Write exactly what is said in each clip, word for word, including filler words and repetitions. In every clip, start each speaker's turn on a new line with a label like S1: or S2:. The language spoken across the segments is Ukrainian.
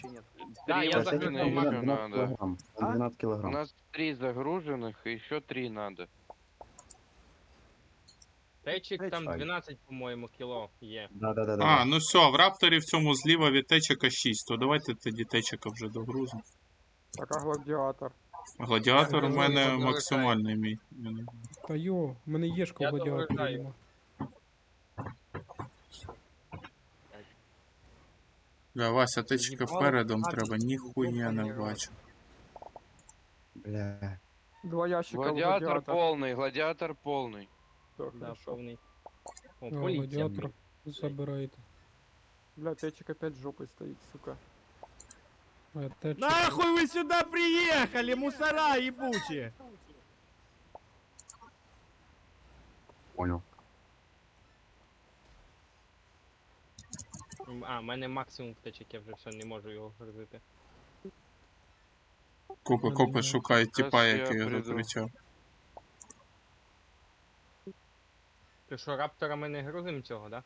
S1: чи ні?
S2: Да,
S3: Три
S2: я
S3: машины
S2: загрузил
S3: еще
S2: Макс.
S3: надо.
S4: килограмм.
S1: А?
S4: двенадцать
S3: У
S4: килограмм.
S3: нас три загруженных, и еще три надо.
S2: Течик там
S4: Ай.
S2: дванадцять, по-моєму, кіло є.
S4: Да, да, да, да.
S5: А, ну все, в рапторі в цьому зліва від течика шість, то давайте тоді течика вже догрузимо.
S6: Так, а гладіатор.
S5: Гладіатор у
S2: Я
S5: мене
S2: загрузив,
S5: максимальний мій. Я не-
S7: Та йо, в мене єшка
S2: Я
S7: в гладіаторі
S2: догружаю.
S7: нема.
S5: Бля, Вася, течика
S2: Їбало,
S5: передом
S2: багато
S5: треба, ніхуя не
S2: їбало.
S5: бачу.
S4: Бля.
S6: Два ящика
S3: Гладиатор
S6: гладіатор.
S3: полный, гладиатор полный.
S6: Так,
S2: Да,
S6: хорошо.
S2: повний. О,
S7: А,
S2: поліція.
S7: гладіатор
S2: блін.
S7: забирайте.
S6: Бля, течик опять жопой стоит, сука.
S7: А те чи-
S8: Нахуй вы сюда приехали, мусора ебучие!
S4: Понял.
S2: А, в мене максимум течик, я вже все, не можу його грузити.
S5: Копи,
S7: Мене
S5: копи
S7: нема.
S5: шукають типа,
S3: Щас я
S5: який я
S3: прийду.
S5: закричав.
S2: Ти що, раптора ми не грузимо цього, да?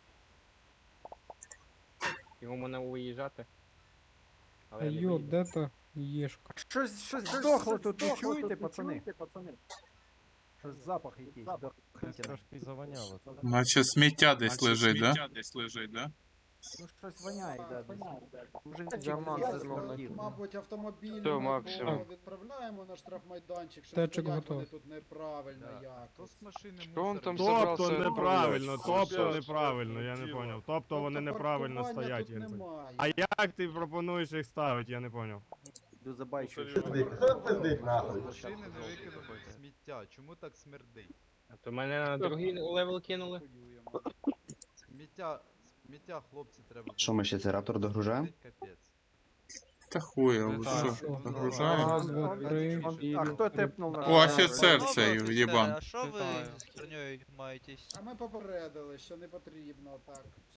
S2: Його можна виїжджати. Але
S7: Та
S2: я не
S7: йо,
S2: виїду.
S7: де та єшка?
S1: Щось, щось здохло тут, ви чуєте, пацани? Щось запах якийсь здохлий.
S8: Трошки завоняло.
S5: Наче сміття десь лежить, да?
S1: Ну щось воняє, да, десь. Може,
S6: Діамант
S1: я
S6: знову
S1: зробив.
S9: Мабуть, автомобіль
S3: Всё, Максим.
S9: відправляємо на штрафмайданчик, що
S7: Течик
S9: стоять вони
S7: готов.
S9: тут неправильно
S10: Да.
S9: якось.
S10: Хто з машини
S3: Что он там
S8: Тобто
S3: собрался
S8: неправильно,
S3: отправлять?
S8: тобто неправильно, я не поняв. Тобто вони неправильно
S9: паркування
S8: стоять,
S9: тут
S8: я не поняв.
S9: немає.
S8: А як ти пропонуєш їх ставити, я не поняв.
S1: Йду забайчу.
S10: Машини не викинули в сміття. Чому так смердить?
S2: А то мене на другий левел кинули.
S9: Воюємо.
S10: Сміття, сміття, хлопці, треба.
S4: Що, ми ще цей раптор догружаємо?
S10: Капець.
S5: Та хуя,
S10: Ну,
S5: ви
S10: так,
S5: що,
S10: ну,
S5: загружаємо?
S7: Раз, два, три.
S1: А хто тепнув на...
S5: О, офіцер цей, єбан.
S9: А ми попередили, що не потрібно так.